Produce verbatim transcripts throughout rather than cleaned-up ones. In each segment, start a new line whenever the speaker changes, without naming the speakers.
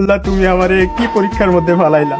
আল্লাহ তুমি আমারে কি পরীক্ষার মধ্যে ফালাইলা।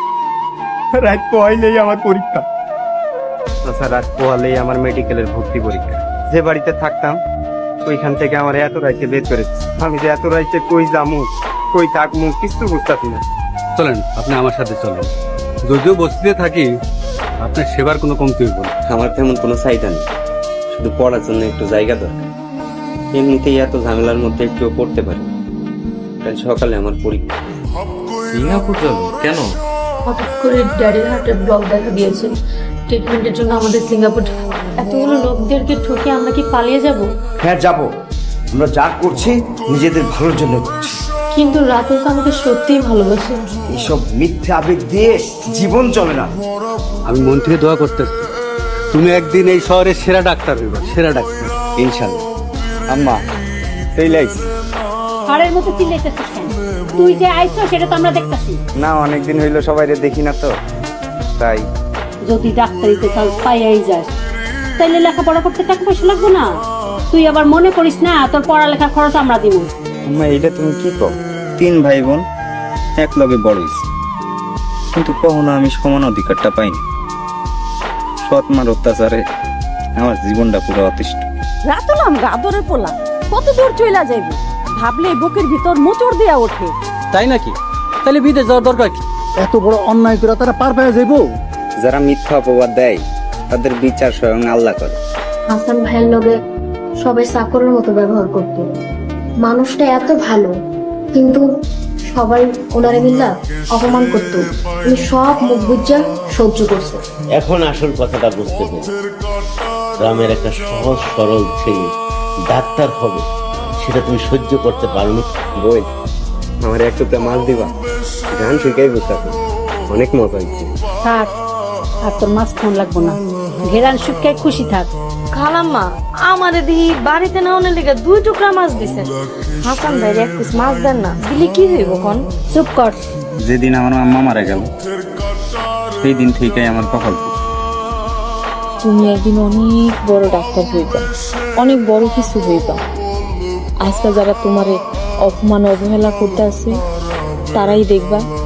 রাত পোহাইলেই আমার পরীক্ষা, আচ্ছা রাত পোহালেই আমার মেডিকেলের ভর্তি পরীক্ষা। যে বাড়িতে থাকতাম ওইখান থেকে আমার এত রাইতে বের করেছে। আমি যে এত রাইতে কই যামু কই থাকমু কিছু বুঝতেছি না।
চলেন আপনি আমার সাথে চলেন, যদিও বস্তিতে থাকি আপনার সেবার কোনো কমতি হইব না।
আমার তেমন কোনো চাহিদা নেই, শুধু পড়ার জন্য একটু জায়গা দরকার। এমনিতেই এত ঝামেলার মধ্যে একটু পড়তে পারি। কাল সকালে আমার পরীক্ষা।
সিঙ্গাপুর যাবো কেন?
হঠাৎ করে ড্যাডির হার্টে ব্লক দেখা দিয়েছে, ট্রিটমেন্টের জন্য আমাদের সিঙ্গাপুর। এতগুলো লোকদেরকে ঠকে আমরা কি পালিয়ে যাব?
হ্যাঁ যাব, আমরা যা করছি নিজেদের ভালোর জন্য করছি।
কিন্তু রাতুল তো আমাকে সত্যিই ভালোবাসে।
এইসব মিথ্যে আবেগ দিয়ে জীবন চলে না।
আমি মন থেকে দোয়া করতেছি তুমি একদিন এই শহরের সেরা ডাক্তার হইবা, সেরা ডাক্তার
ইনশাল্লাহ। আম্মা সেই লাইছি
হাড়ের মতো চিল্লাইতেছিস কেন? তুই যে আইছো সেটা তো আমরা দেখতাছি।
না অনেকদিন হইলো সবাই দেখি না তো তাই।
যদি ডাক্তারিতে চাল পাইয়াই যাস তাইলে লেখাপড়া করতে টাকা পয়সা লাগবে না। তুই আবার মনে করিস না তোর পড়ালেখার খরচ আমরা দিব।
আম্মা এইটা তুমি কি কও? তিন ভাই বোন এক লগে বড় হইছি, কিন্তু কখনো আমি সমান অধিকারটা পাইনি। সৎ মার অত্যাচারে আমার জীবনটা পুরো অতিষ্ঠ।
রাতুলাম গাদরে পোলা কত দূর চইলা যাইবি, ভাবলে বুকের ভিতর মোচড় দিয়া ওঠে।
তাই নাকি? তাহলে বিদেশ যাওয়ার দরকার কি?
এত বড় অন্যায় করে তারা পার পেয়ে যাইবো?
যারা মিথ্যা অপবাদ দেয় তাদের বিচার স্বয়ং আল্লাহ করে।
হাসান ভাইয়ের লগে সবাই চাকরের মতো ব্যবহার করতো। মানুষটা এত ভালো, কিন্তু সবাই ওনারে মিল্লা অপমান করতো। উনি সব মুখ বুজ্জা সহ্য করছে।
এখন আসল কথাটা বুঝতে পেরে গ্রামের একটা সহজ সরল ছেলে ডাক্তার হবে সেটা তুমি সহ্য করতে পারোনি।
বই আমার এক টুকরা মাছ দিবা, গান শিখাই বুঝতে অনেক মজা হয়েছে।
থাক আর তোর মাছ খাওয়ান লাগবো না, ঘেরান শুকায় খুশি থাক।
খালাম্মা আমারে দিহি বাড়িতে নেওয়ার লেগে দুই টুকরা মাছ দিছে। হাসান ভাই এক পিস মাছ দেন না, দিলে কি হইব কোন?
চুপ কর।
যেদিন আমার আম্মা মারা গেল সেই দিন থেকেই আমার কপাল।
তুমি একদিন অনেক বড় ডাক্তার হইবা, অনেক বড় কিছু হইবা। আজকে যারা তোমারে অপমান অবহেলা করতে আছে তারাই দেখবা